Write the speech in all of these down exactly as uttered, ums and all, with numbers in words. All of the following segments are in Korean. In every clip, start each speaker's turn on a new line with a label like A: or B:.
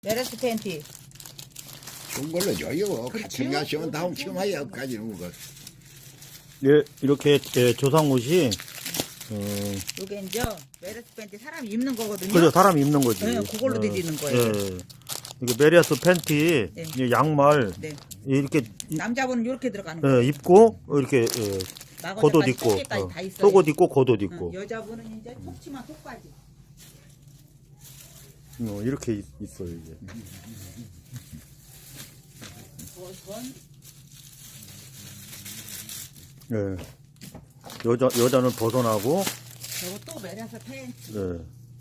A: 메르스 팬티.
B: 좋은 걸로 줘요. 같은 거 하시면 다음 치마에 여기까지는 거.
C: 예, 이렇게 예, 조상옷이 어,
A: 요게 이제 메르스 팬티 사람 입는 거거든요.
C: 그죠, 사람 입는 거지.
A: 네, 그걸로 드리는 거예요.
C: 예. 이게 메리아스 팬티,
A: 네.
C: 이 양말
A: 네.
C: 이렇게 이-
A: 남자분은 이렇게 들어가는 거예요.
C: 예, 입고 이렇게 예,
A: 나거자까지,
C: 겉옷 입고
A: 속에까지
C: 어,
A: 다 있어요.
C: 속옷 입고 겉옷
A: 응,
C: 입고
A: 여자분은 이제 속치마 속바지.
C: 어, 이렇게 있, 있어요 이게.
A: 버선.
C: 예. 여자 여자는 벗어나고.
A: 저거 또 메르스 팬티.
C: 예.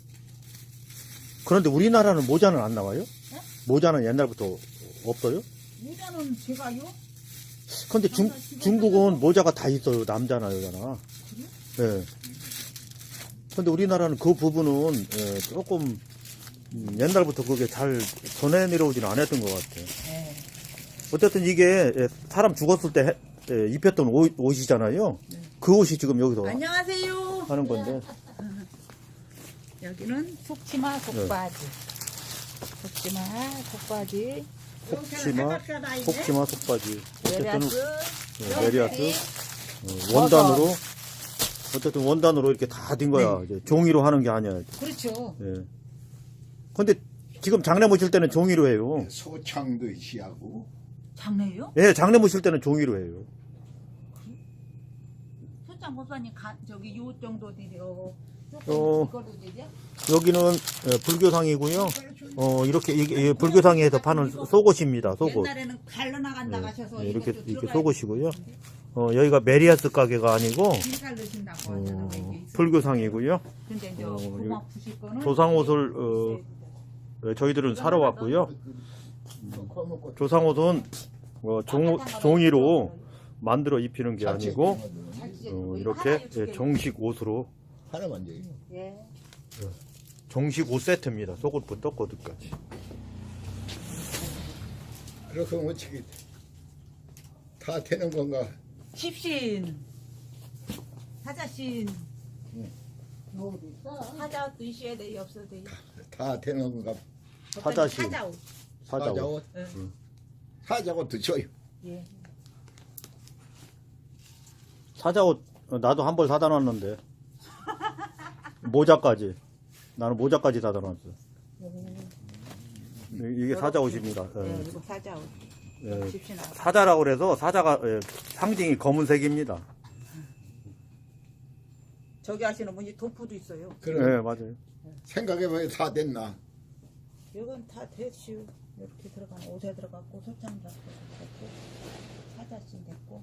C: 그런데 우리나라는 모자는 안 나와요?
A: 네?
C: 모자는 옛날부터 없어요?
A: 모자는 제가요?
C: 근데 중, 중국은 모자가 다 있어요. 남자나 여자나. 예. 근데 우리나라는 그 부분은 예, 조금 음, 옛날부터 그게 잘 전해 내려오지는 않았던 것 같아요.
A: 네.
C: 어쨌든 이게 예, 사람 죽었을 때 해- 예, 입혔던 옷, 옷이잖아요.
A: 네.
C: 그 옷이 지금 여기서
A: 안녕하세요.
C: 하는 건데.
A: 여기는 속치마 속바지. 속치마 속바지.
C: 속치마, 속치마, 속바지. 어쨌든
A: 메리아스.
C: 예, 메리아스 어, 원단으로 어쨌든 원단으로 이렇게 다 된 거야.
A: 네.
C: 이제 종이로 하는 게 아니야.
A: 그렇죠.
C: 예. 근데 지금 장례 모실 때는 종이로 해요.
B: 소창도 시하고.
A: 장래요?
C: 예, 장례 모실 때는 종이로 해요.
A: 소장 목사님 가, 저기 요 정도 되려.
C: 어.
A: 이걸로 되죠?
C: 여기는 예, 불교상이고요. 어, 이렇게 이게 예, 불교상에서 파는 속옷입니다. 속옷.
A: 옛날에는 갈러 나간다 가셔서
C: 예, 이렇게
A: 이것도
C: 이렇게
A: 들어가야
C: 속옷이고요. 어, 여기가 메리아스 가게가 아니고
A: 길갈 넣으신다고 하잖아.
C: 어,
A: 이게 있어요.
C: 불교상이고요.
A: 근데 이제
C: 어,
A: 고막 부실 거는
C: 조상옷을 어, 예, 저희들은 사러 왔고요. 조상옷은 어, 종, 종이로 만들어 입히는 게 아니고 어, 이렇게 예, 정식 옷으로
B: 하나만 줘요.
A: 예.
C: 정식 옷 세트입니다. 속옷부터 겉옷까지.
B: 그렇게 하면 어떻게 다 되는 건가?
A: 십신 사자신 사자옷도 있어야 돼 없어도 돼.
B: 다 되는 건가?
C: 사자신.
A: 사자옷.
C: 사자옷.
B: 사자옷.
A: 응.
B: 사자옷도 줘요.
A: 예.
C: 사자옷 어, 나도 한 벌 사다 놨는데 모자까지 나는 모자까지 사다 놨어. 이게 사자옷입니다.
A: 예,
C: 예.
A: 이거 사자옷.
C: 예.
A: 십신 아.
C: 사자라고 그래서 사자가 예, 상징이 검은색입니다.
A: 저기 하시는 분이 도프도 있어요.
B: 그럼
C: 네, 맞아요.
B: 생각해보면 다 됐나?
A: 이건 다 대슈 이렇게 들어가면 옷에 들어갔고 소장 들어갔고 사자신 됐고.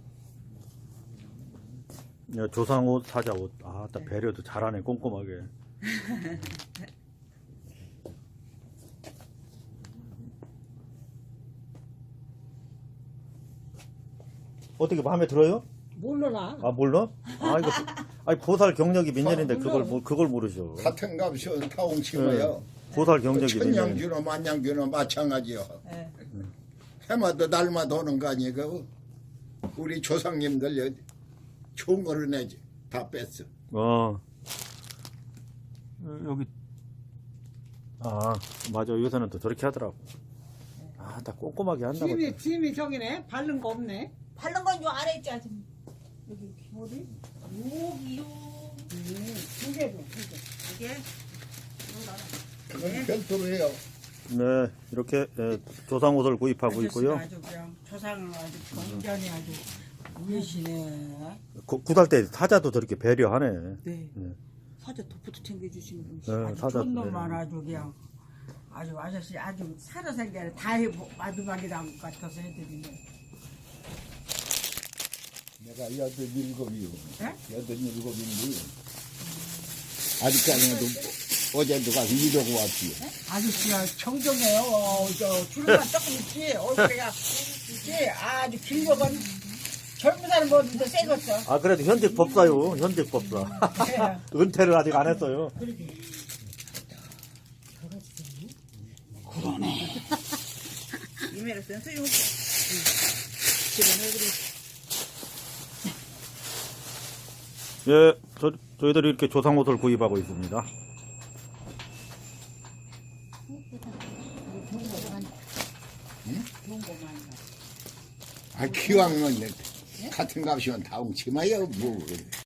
C: 예, 조상옷, 사자옷. 아, 딱 배려도 잘하네, 꼼꼼하게. 어떻게 마음에 들어요?
D: 몰라라.
C: 아, 몰라? 아, 이거, 아니, 보살 경력이 몇 년인데 그걸, 모- 그걸 모르셔.
B: 같은 값이요. 타옹 치고요.
C: 보살 경력이 몇 년.
B: 천냥주나 만냥주나 마찬가지요.
A: 예.
B: 해마다 날마다 오는 거 아니에요? 우리 조상님들 좋은 거를 내지. 다 뺐어.
C: 어. 여기. 아, 맞아. 요새는 또 저렇게 하더라고. 아, 다 꼼꼼하게 한다고.
D: 짐이 짐이 저기네. 바른 거 없네.
A: 바른 건 요 아래 있지 아줌마. 여기 어디? 여기요.
D: 음, 두 개도 두 개.
A: 이게
B: 그건 별도로 해요.
C: 네, 이렇게 예, 조상옷을 구입하고 있고요.
D: 아주 그냥 조상을 아주 건전히 아주 우시네.
C: 구, 구달 때 사자도 저렇게 배려하네.
D: 네.
C: 네.
A: 사자 도프도 챙겨주시는 분이.
C: 네,
D: 아주
C: 사자
D: 좋은 놈만
C: 배려.
D: 아주 그냥 아주 아저씨 아주 살아생전에 다 해 마지막이다 같아서 해드리네.
B: 내가 여덟 일곱이요.
D: 네?
B: 여덟 일곱인데 아직까지는 어제도 가서 이러고 왔지요.
D: 아저씨가 청정해요. 어, 저 주름만 조금 있지. 얼굴이가 있지. 아주 길거건 젊은 사람 뭐든지 세겠어.
C: 아, 그래도 현직 법사요. 현직 법사.
D: 네.
C: 은퇴를 아직 안 했어요.
A: 이메일 쓴 수용. 집안에 그래.
C: 예, 저, 저희들이 이렇게 조상옷을 구입하고 있습니다.
D: 좋은 거 많이 가.
B: 아 기왕은 같은 값이면 다 웅치마요 뭐.